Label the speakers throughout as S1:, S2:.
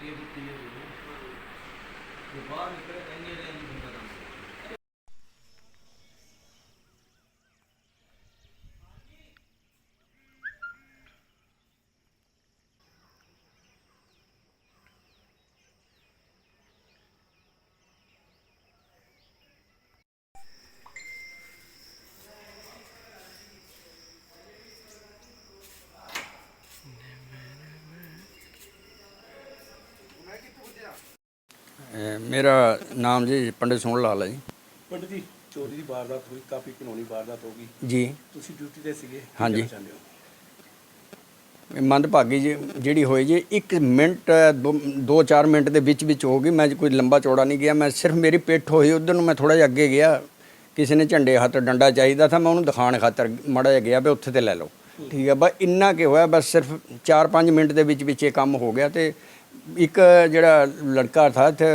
S1: मेरा नाम जी पंडित सोहन लाल है जी।
S2: पंडित जी चोरी की वारदात हुई, काफ़ी घिनौनी वारदात होगी
S1: जी
S2: ਤੁਸੀਂ ਡਿਊਟੀ ਤੇ ਸੀਗੇ।
S1: हाँ जी।
S2: ਚਾਹੁੰਦੇ ਹੋ
S1: ਮੰਦਭਾਗੀ ਜਿਹੜੀ ਹੋਈ ਜੀ 1 ਮਿੰਟ 2-4 ਮਿੰਟ ਦੇ ਵਿੱਚ ਹੋ ਗਈ। ਮੈਂ ਕੋਈ ਲੰਬਾ ਚੌੜਾ ਨਹੀਂ ਗਿਆ, ਮੈਂ ਸਿਰਫ ਮੇਰੀ ਪਿੱਠ ਹੋਈ ਉਧਰ ਨੂੰ, ਮੈਂ ਥੋੜਾ ਜਿਹਾ ਅੱਗੇ ਗਿਆ। ਕਿਸੇ ਨੇ ਝੰਡੇ ਹੱਥ ਡੰਡਾ ਚਾਹੀਦਾ था, मैं ਉਹਨੂੰ ਦਿਖਾਉਣ ਖਾਤਰ ਮਾੜਾ ਜਿਹਾ ਗਿਆ ਵੀ ਉੱਥੇ ਤੇ ਲੈ ਲਓ, ਠੀਕ ਹੈ। ਬਸ ਇੰਨਾ ਕਿ ਹੋਇਆ, ਬਸ ਸਿਰਫ 4-5 ਮਿੰਟ ਦੇ ਵਿੱਚ ਇਹ ਕੰਮ ਹੋ ਗਿਆ। ਤੇ ਇੱਕ ਜਿਹੜਾ ਲੜਕਾ ਥਾ ਇੱਥੇ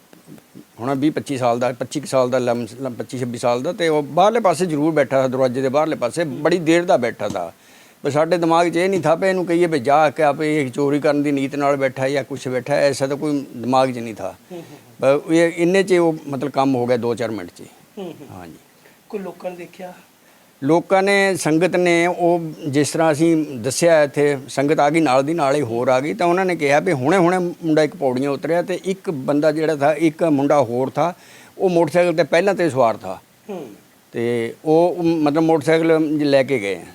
S1: ਹੁਣ 20-25 ਸਾਲ ਦਾ, 25 ਸਾਲ ਦਾ, 25-26 ਸਾਲ ਦਾ, ਤੇ ਉਹ ਬਾਹਰਲੇ ਪਾਸੇ ਜ਼ਰੂਰ ਬੈਠਾ था, ਦਰਵਾਜ਼ੇ ਦੇ ਬਾਹਰਲੇ ਪਾਸੇ ਬੜੀ ਦੇਰ ਦਾ ਬੈਠਾ था। ਪਰ ਸਾਡੇ ਦਿਮਾਗ 'ਚ ਇਹ ਨਹੀਂ ਥਾ ਵੀ ਇਹਨੂੰ ਕਹੀਏ ਵੀ ਜਾ ਕੇ ਆਪੇ ਇਹ ਚੋਰੀ ਕਰਨ ਦੀ ਨੀਤ ਨਾਲ ਬੈਠਾ ਜਾਂ ਕੁਛ ਬੈਠਾ, ਐਸਾ ਤਾਂ ਕੋਈ ਦਿਮਾਗ 'ਚ ਨਹੀਂ ਥਾ। ਪਰ ਇਹ ਇੰਨੇ 'ਚ ਉਹ ਮਤਲਬ ਕੰਮ ਹੋ ਗਿਆ 2-4 ਮਿੰਟ 'ਚ। ਹਾਂਜੀ।
S2: ਕੋਈ ਲੋਕਾਂ ਨੇ ਦੇਖਿਆ?
S1: ਲੋਕਾਂ ਨੇ, ਸੰਗਤ ਨੇ, ਉਹ ਜਿਸ ਤਰ੍ਹਾਂ ਅਸੀਂ ਦੱਸਿਆ ਇੱਥੇ ਸੰਗਤ ਆ ਗਈ, ਨਾਲ ਦੀ ਨਾਲ ਹੀ ਹੋਰ ਆ ਗਈ, ਤਾਂ ਉਹਨਾਂ ਨੇ ਕਿਹਾ ਵੀ ਹੁਣੇ ਮੁੰਡਾ ਇੱਕ ਪੌੜੀਆਂ ਉਤਰਿਆ ਤੇ ਇੱਕ ਬੰਦਾ ਜਿਹੜਾ ਥਾ, ਇੱਕ ਮੁੰਡਾ ਹੋਰ ਥਾ, ਉਹ ਮੋਟਰਸਾਈਕਲ ਤੇ ਪਹਿਲਾਂ ਤੇ ਸਵਾਰ ਥਾ, ਤੇ ਉਹ ਮਤਲਬ ਮੋਟਰਸਾਈਕਲ ਲੈ ਕੇ ਗਏ।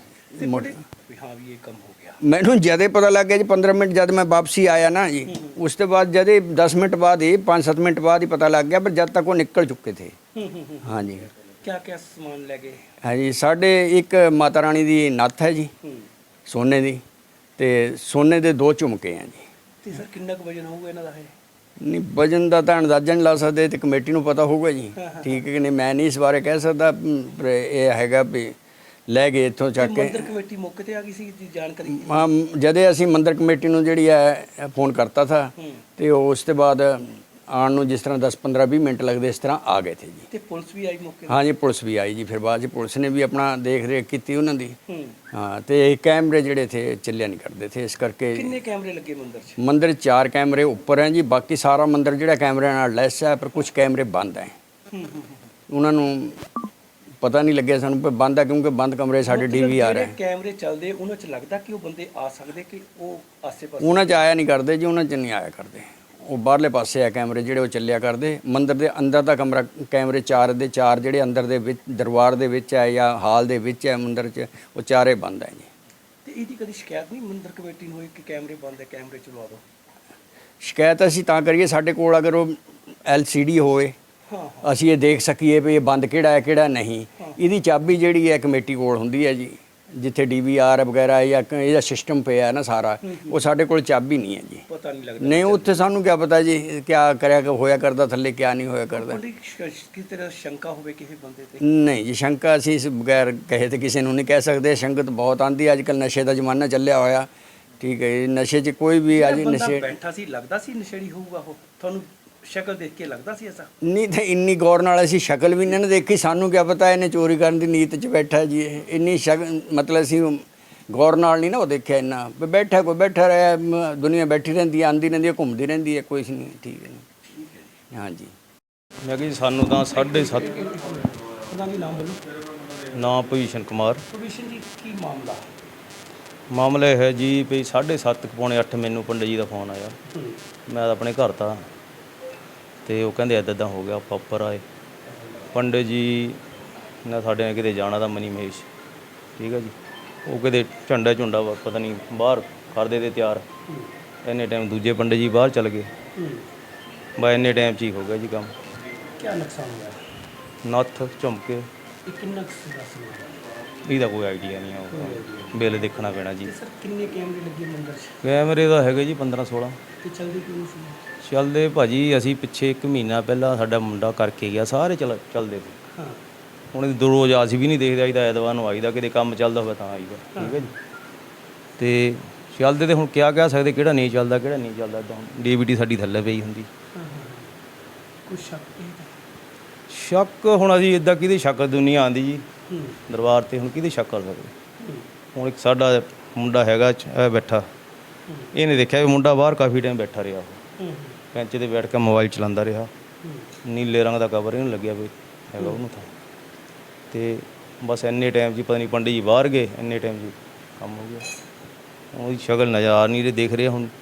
S2: ਹਾਂ ਵੀ ਇਹ ਕੰਮ ਹੋ ਗਿਆ।
S1: ਮੈਨੂੰ ਜਦੇ ਪਤਾ ਲੱਗ ਗਿਆ ਜੀ 15 ਮਿੰਟ ਜਦ ਮੈਂ ਵਾਪਸੀ ਆਇਆ ਨਾ ਜੀ, ਉਸ ਤੋਂ ਬਾਅਦ ਜਦੇ 10 ਮਿੰਟ ਬਾਅਦ ਹੀ 5-7 ਮਿੰਟ ਬਾਅਦ ਹੀ ਪਤਾ ਲੱਗ ਗਿਆ, ਪਰ ਜਦ ਤੱਕ ਉਹ ਨਿਕਲ ਚੁੱਕੇ थे। हाँ जी।
S2: क्या ਸਮਾਨ ਲੈ ਗਏ?
S1: हाँ जी, साढ़े एक माता रानी ਦੀ ਨੱਥ ਹੈ ਜੀ ਸੋਨੇ ਦੀ, ਤੇ ਸੋਨੇ ਦੇ 2 ਝੁਮਕੇ ਆ ਜੀ।
S2: ਤੇ ਸਰ ਕਿੰਨਾ ਕੁ ਵਜਨ ਹੋਊਗਾ ਇਹਨਾਂ ਦਾ? ਹੈ
S1: ਨਹੀਂ, ਵਜਨ ਦਾ ਤਾਂ ਅੰਦਾਜ਼ਾ ਨਹੀਂ ਲਾ ਸਕਦੇ, ਤੇ ਕਮੇਟੀ ਨੂੰ ਪਤਾ ਹੋਊਗਾ ਜੀ, ਠੀਕ ਹੈ ਕਿ ਨਹੀਂ, ਮੈਂ ਨਹੀਂ ਇਸ ਬਾਰੇ ਕਹਿ ਸਕਦਾ। ਪਰ ਇਹ ਹੈਗਾ ਵੀ ਲੈ ਗਏ ਇੱਥੋਂ ਚੱਕ ਕੇ।
S2: ਮੰਦਰ ਕਮੇਟੀ ਮੌਕੇ ਤੇ ਆ ਗਈ ਸੀ ਜਾਣਕਾਰੀ?
S1: ਹਾਂ, ਜਦੇ ਅਸੀਂ ਮੰਦਰ ਕਮੇਟੀ ਨੂੰ ਜਿਹੜੀ ਹੈ ਫੋਨ ਕਰਤਾ ਥਾ, ਤੇ ਉਸ ਤੋਂ ਬਾਅਦ ਆਉਣ ਨੂੰ ਜਿਸ ਤਰ੍ਹਾਂ 10-15-20 ਮਿੰਟ ਲੱਗਦੇ, ਇਸ ਤਰ੍ਹਾਂ ਆ ਗਏ ਥੇ ਜੀ।
S2: ਤੇ ਪੁਲਿਸ ਵੀ ਆਈ ਮੌਕੇ ਤੇ?
S1: ਹਾਂ ਜੀ, ਪੁਲਿਸ ਵੀ ਆਈ ਜੀ। ਫਿਰ ਬਾਅਦ 'ਚ ਪੁਲਿਸ ਨੇ ਵੀ ਆਪਣਾ ਦੇਖ ਰੇਖ ਕੀਤੀ ਉਹਨਾਂ ਦੀ। ਹਾਂ, ਤੇ ਕੈਮਰੇ ਜਿਹੜੇ ਥੇ ਚੱਲਿਆ ਨਹੀਂ ਕਰਦੇ ਥੇ, ਇਸ ਕਰਕੇ।
S2: ਕਿੰਨੇ ਕੈਮਰੇ ਲੱਗੇ ਮੰਦਰ 'ਚ?
S1: ਮੰਦਰ 4 ਕੈਮਰੇ ਉੱਪਰ ਹੈ ਜੀ, ਬਾਕੀ ਸਾਰਾ ਮੰਦਰ ਜਿਹੜਾ ਕੈਮਰਿਆਂ ਨਾਲ ਲੈਸ ਹੈ, ਪਰ ਕੁਝ ਕੈਮਰੇ ਬੰਦ ਹੈ। ਉਹਨਾਂ ਨੂੰ ਪਤਾ ਨਹੀਂ ਲੱਗਿਆ ਸਾਨੂੰ ਪਰ ਬੰਦ ਹੈ, ਕਿਉਂਕਿ ਬੰਦ ਕਮਰੇ ਸਾਡੇ DVR ਹੈ।
S2: ਕੈਮਰੇ ਚੱਲਦੇ, ਉਹਨਾਂ 'ਚ ਲੱਗਦਾ ਕਿ ਉਹ ਬੰਦੇ ਆ ਸਕਦੇ ਕਿ ਉਹ ਆਸੇ-ਪਾਸੇ?
S1: ਉਹਨਾਂ 'ਚ ਆਇਆ ਨਹੀਂ ਕਰਦੇ ਜੀ, ਉਹਨਾਂ 'ਚ ਨਹੀਂ ਆਇਆ ਕਰਦੇ। ਉਹ ਬਾਹਰਲੇ ਪਾਸੇ ਆ ਕੈਮਰੇ ਜਿਹੜੇ, ਉਹ ਚੱਲਿਆ ਕਰਦੇ। ਮੰਦਰ ਦੇ ਅੰਦਰ ਦਾ ਕਮਰਾ ਕੈਮਰੇ 4 ਦੇ 4 ਜਿਹੜੇ ਅੰਦਰ ਦੇ ਵਿੱਚ ਦਰਬਾਰ ਦੇ ਵਿੱਚ ਹੈ ਜਾਂ ਹਾਲ ਦੇ ਵਿੱਚ ਹੈ ਮੰਦਰ 'ਚ, ਉਹ 4 ਬੰਦ ਹੈ ਜੀ।
S2: ਤੇ ਇਹਦੀ ਕਦੀ ਸ਼ਿਕਾਇਤ ਨਹੀਂ ਮੰਦਰ ਕਮੇਟੀ ਨੂੰ ਹੋਈ ਕਿ ਕੈਮਰੇ ਬੰਦ ਹੈ, ਕੈਮਰੇ ਚਲਵਾ ਦਿਓ?
S1: ਸ਼ਿਕਾਇਤ ਅਸੀਂ ਤਾਂ ਕਰੀਏ ਸਾਡੇ ਕੋਲ ਅਗਰ ਉਹ LCD ਹੋਵੇ, ਅਸੀਂ ਇਹ ਦੇਖ ਸਕੀਏ ਵੀ ਇਹ ਬੰਦ ਕਿਹੜਾ ਹੈ ਕਿਹੜਾ ਨਹੀਂ। ਇਹਦੀ ਚਾਬੀ ਜਿਹੜੀ ਹੈ ਕਮੇਟੀ ਕੋਲ ਹੁੰਦੀ ਹੈ ਜੀ, ਜਿੱਥੇ DVR ਵਗੈਰਾ ਜਾਂ ਇਹਦਾ ਸਿਸਟਮ ਪਿਆ ਹੈ ਨਾ ਸਾਰਾ, ਉਹ ਸਾਡੇ ਕੋਲ ਚਾਬੀ ਨਹੀਂ ਹੈ ਜੀ।
S2: ਪਤਾ ਨਹੀਂ ਲੱਗਦਾ?
S1: ਨਹੀਂ, ਉੱਥੇ ਸਾਨੂੰ ਕੀ ਪਤਾ ਜੀ ਕਿਆ ਕਰਿਆ ਹੋਇਆ ਕਰਦਾ ਥੱਲੇ, ਕਿਆ ਨਹੀਂ ਹੋਇਆ ਕਰਦਾ।
S2: ਕਿਸੇ ਤਰ੍ਹਾਂ ਸ਼ੰਕਾ ਹੋਵੇ ਕਿਸੇ ਬੰਦੇ ਤੇ?
S1: ਨਹੀਂ ਜੀ, ਸ਼ੰਕਾ ਅਸੀਂ ਇਸ ਬਗੈਰ ਕਹੇ ਤੇ ਕਿਸੇ ਨੂੰ ਨਹੀਂ ਕਹਿ ਸਕਦੇ। ਸੰਗਤ ਬਹੁਤ ਆਉਂਦੀ ਅੱਜ ਕੱਲ੍ਹ, ਨਸ਼ੇ ਦਾ ਜ਼ਮਾਨਾ ਚੱਲਿਆ ਹੋਇਆ, ਠੀਕ ਹੈ। ਨਸ਼ੇ 'ਚ ਕੋਈ ਵੀ ਅੱਜ ਨਸ਼ੇ
S2: ਬੈਠਾ ਸੀ, ਲੱਗਦਾ ਸੀ ਨਸ਼ੇੜੀ ਹੋਊਗਾ ਉਹ? ਤੁਹਾਨੂੰ ਸ਼ਕਲ ਦੇਖ ਕੇ ਲੱਗਦਾ ਸੀ ਐਸਾ?
S1: ਨਹੀਂ, ਤਾਂ ਇੰਨੀ ਗੌਰ ਨਾਲ ਅਸੀਂ ਸ਼ਕਲ ਵੀ ਨਹੀਂ ਦੇਖੀ, ਸਾਨੂੰ ਕਿਆ ਪਤਾ ਇਹਨੇ ਚੋਰੀ ਕਰਨ ਦੀ ਨੀਤ 'ਚ ਬੈਠਾ ਜੀ। ਇਹ ਇੰਨੀ ਮਤਲਬ ਅਸੀਂ ਗੌਰ ਨਾਲ ਨਹੀਂ ਨਾ ਉਹ ਦੇਖਿਆ ਇੰਨਾ ਵੀ ਬੈਠਾ, ਕੋਈ ਬੈਠਾ ਰਿਹਾ, ਦੁਨੀਆ ਬੈਠੀ ਰਹਿੰਦੀ ਹੈ, ਆਉਂਦੀ ਰਹਿੰਦੀ ਹੈ, ਘੁੰਮਦੀ ਰਹਿੰਦੀ ਹੈ, ਕੁਛ ਨਹੀਂ, ਠੀਕ ਹੈ। ਹਾਂਜੀ।
S3: ਮੈਂ ਕਿਹਾ ਜੀ ਸਾਨੂੰ ਤਾਂ 7:30।
S2: ਉਹਦਾ ਵੀ ਨਾਮ ਬੋਲੋ।
S3: ਨਾਮ ਭਵੀਸ਼ਨ ਕੁਮਾਰ।
S2: ਭਵੀਸ਼ਨ ਜੀ, ਕੀ ਮਾਮਲਾ?
S3: ਮਾਮਲਾ ਇਹ ਹੈ ਜੀ ਵੀ 7:30 ਪੌਣੇ 8 ਮੈਨੂੰ ਪੰਡਿਤ ਜੀ ਦਾ ਫੋਨ ਆਇਆ। ਮੈਂ ਤਾਂ ਆਪਣੇ ਘਰ ਤਾਂ, ਤੇ ਉਹ ਕਹਿੰਦੇ ਇੱਦਾਂ ਹੋ ਗਿਆ। ਆਪਾਂ ਉੱਪਰ ਆਏ, ਪੰਡਿਤ ਜੀ ਨੇ ਸਾਡੇ ਨੇ ਕਿਤੇ ਜਾਣਾ ਤਾਂ ਮਨੀ ਮਹੇਸ਼, ਠੀਕ ਹੈ ਜੀ। ਉਹ ਕਿਤੇ ਝੰਡਾ ਪਤਾ ਨਹੀਂ ਬਾਹਰ ਕਰਦੇ ਤੇ ਤਿਆਰ। ਇੰਨੇ ਟਾਈਮ ਦੂਜੇ ਪੰਡਿਤ ਜੀ ਬਾਹਰ ਚਲ ਗਏ। ਬਸ ਇੰਨੇ ਟਾਈਮ 'ਚ ਹੀ ਹੋ ਗਿਆ ਜੀ ਕੰਮ।
S2: ਕੀ ਨੁਕਸਾਨ ਹੋਇਆ?
S3: ਨੱਥ ਝੁਮਕੇ।
S2: ਇਹ ਕਿੰਨਾ ਸੀ?
S3: ਇਹਦਾ ਕੋਈ ਆਈਡੀਆ ਨਹੀਂ ਆਊਗਾ, ਬਿੱਲ ਦੇਖਣਾ ਪੈਣਾ ਜੀ।
S2: ਸਰ ਕਿੰਨੇ ਕੈਮਰੇ ਲੱਗੇ ਮੰਦਰ 'ਚ?
S3: ਕੈਮਰੇ ਤਾਂ ਹੈਗੇ ਜੀ 15-16।
S2: ਤੇ ਚੱਲਦੇ ਕਿਉਂ ਸੀ?
S3: ਚੱਲਦੇ ਭਾਜੀ, ਅਸੀਂ ਪਿੱਛੇ 1 ਮਹੀਨਾ ਪਹਿਲਾਂ ਸਾਡਾ ਮੁੰਡਾ ਕਰਕੇ ਗਿਆ, ਸਾਰੇ ਚੱਲਦੇ ਸੀ।
S2: ਹਾਂ,
S3: ਹੁਣ ਰੋਜ਼ ਅਸੀਂ ਵੀ ਨਹੀਂ ਦੇਖਦੇ, ਆਈਦਾ ਐਤਵਾਰ ਨੂੰ ਆਈਦਾ, ਕਿਤੇ ਕੰਮ ਚੱਲਦਾ ਹੋਵੇ ਤਾਂ ਆਈਦਾ, ਠੀਕ ਹੈ ਜੀ। ਤੇ ਚੱਲਦੇ ਤੇ ਹੁਣ ਕਿਆ ਕਹਿ ਸਕਦੇ ਕਿਹੜਾ ਨਹੀਂ ਚੱਲਦਾ ਕਿਹੜਾ ਨਹੀਂ ਚੱਲਦਾ। ਇੱਦਾਂ DVD ਸਾਡੀ ਥੱਲੇ ਪਈ ਹੁੰਦੀ।
S2: ਕੋਈ
S3: ਸ਼ੱਕ ਹੁਣ ਅਸੀਂ ਇੱਦਾਂ ਕਿਹਦੇ ਸ਼ੱਕ ਦੁਨੀਆ ਆਉਂਦੀ ਜੀ ਦਰਬਾਰ 'ਤੇ, ਹੁਣ ਕਿਹਦੇ ਸ਼ੱਕ ਕਰ ਸਕਦੇ? ਹੁਣ ਇੱਕ ਸਾਡਾ ਮੁੰਡਾ ਹੈਗਾ ਬੈਠਾ, ਇਹਨੇ ਦੇਖਿਆ ਵੀ ਮੁੰਡਾ ਬਾਹਰ ਕਾਫੀ ਟਾਈਮ ਬੈਠਾ ਰਿਹਾ। ਬੈਂਚ ਤੇ ਬੈਠ ਕੇ ਮੋਬਾਈਲ ਚਲਾਉਂਦਾ ਰਿਹਾ। ਨੀਲੇ ਰੰਗ ਦਾ ਕਵਰ ਹੀ ਨਹੀਂ ਲੱਗਿਆ ਵੀ ਹੈਗਾ ਉਹਨੂੰ ਤਾਂ। ਤੇ ਬਸ ਇੰਨੇ ਟਾਈਮ 'ਚ ਹੀ ਪਤਾ ਨਹੀਂ ਪੰਡਿਤ ਜੀ ਬਾਹਰ ਗਏ, ਇੰਨੇ ਟਾਈਮ 'ਚ ਕੰਮ ਹੋ ਗਿਆ। ਉਹਦੀ ਸ਼ਕਲ ਨਜ਼ਰ ਆ ਨਹੀਂ ਰਹੀ, ਦੇਖ ਰਹੇ ਹੁਣ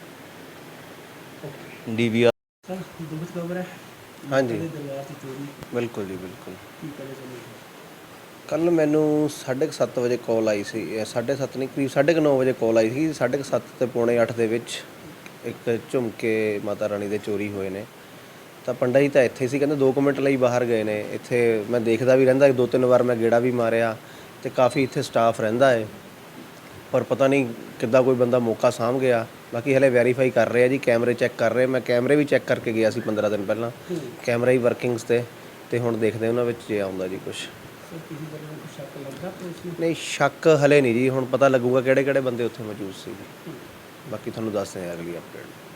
S3: DVR।
S2: ਸਰ ਦੁਖਦ ਖਬਰ ਹੈ
S4: ਹਾਂਜੀ
S2: ਦਰਬਾਰ ਦੀ ਚੋਰੀ
S4: ਬਿਲਕੁਲ ਜੀ ਬਿਲਕੁਲ।
S2: ਕੀ ਕਰੇ ਚਲੇ
S4: ਕੱਲ੍ਹ ਮੈਨੂੰ 7:30 ਵਜੇ ਕਾਲ ਆਈ ਸੀ, 7:30 ਨਹੀਂ ਕਰੀਬ 9:30 ਵਜੇ ਕਾਲ ਆਈ ਸੀ। 7:30 ਤੇ ਪੌਣੇ 8 ਦੇ ਵਿੱਚ ਇੱਕ ਝੁਮਕੇ ਮਾਤਾ ਰਾਣੀ ਦੇ ਚੋਰੀ ਹੋਏ ਨੇ। ਤਾਂ ਪੰਡਾ ਜੀ ਤਾਂ ਇੱਥੇ ਸੀ, ਕਹਿੰਦੇ 2 ਮਿੰਟ ਲਈ ਬਾਹਰ ਗਏ ਨੇ। ਇੱਥੇ ਮੈਂ ਦੇਖਦਾ ਵੀ ਰਹਿੰਦਾ, 2-3 ਵਾਰ ਮੈਂ ਗੇੜਾ ਵੀ ਮਾਰਿਆ ਤੇ ਕਾਫੀ ਇੱਥੇ ਸਟਾਫ ਰਹਿੰਦਾ ਹੈ, ਪਰ ਪਤਾ ਨਹੀਂ ਕਿੱਦਾਂ ਕੋਈ ਬੰਦਾ ਮੌਕਾ ਸਾਂਭ ਗਿਆ। ਬਾਕੀ ਹਲੇ ਵੈਰੀਫਾਈ ਕਰ ਰਹੇ ਆ ਜੀ, ਕੈਮਰੇ ਚੈੱਕ ਕਰ ਰਹੇ। ਮੈਂ ਕੈਮਰੇ ਵੀ ਚੈੱਕ ਕਰਕੇ ਗਿਆ ਸੀ 15 ਦਿਨ ਪਹਿਲਾਂ, ਕੈਮਰਾ ਹੀ ਵਰਕਿੰਗਸ ਤੇ ਹੁਣ ਦੇਖਦੇ ਉਹਨਾਂ ਵਿੱਚ ਜੇ ਆਉਂਦਾ ਜੀ ਕੁਛ।
S2: ਸਰ ਕਿਸੇ ਬੰਦੇ ਨੂੰ ਸ਼ੱਕ ਲੱਗਦਾ ਪੁਲਿਸ ਨੂੰ?
S4: ਨਹੀਂ ਸ਼ੱਕ ਹਲੇ ਨਹੀਂ ਜੀ, ਹੁਣ ਪਤਾ ਲੱਗੂਗਾ ਕਿਹੜੇ ਕਿਹੜੇ ਬੰਦੇ ਉੱਥੇ ਮੌਜੂਦ ਸੀ। ਬਾਕੀ ਤੁਹਾਨੂੰ ਦੱਸਦੇ ਹਾਂ ਅਗਲੀ ਅਪਡੇਟ।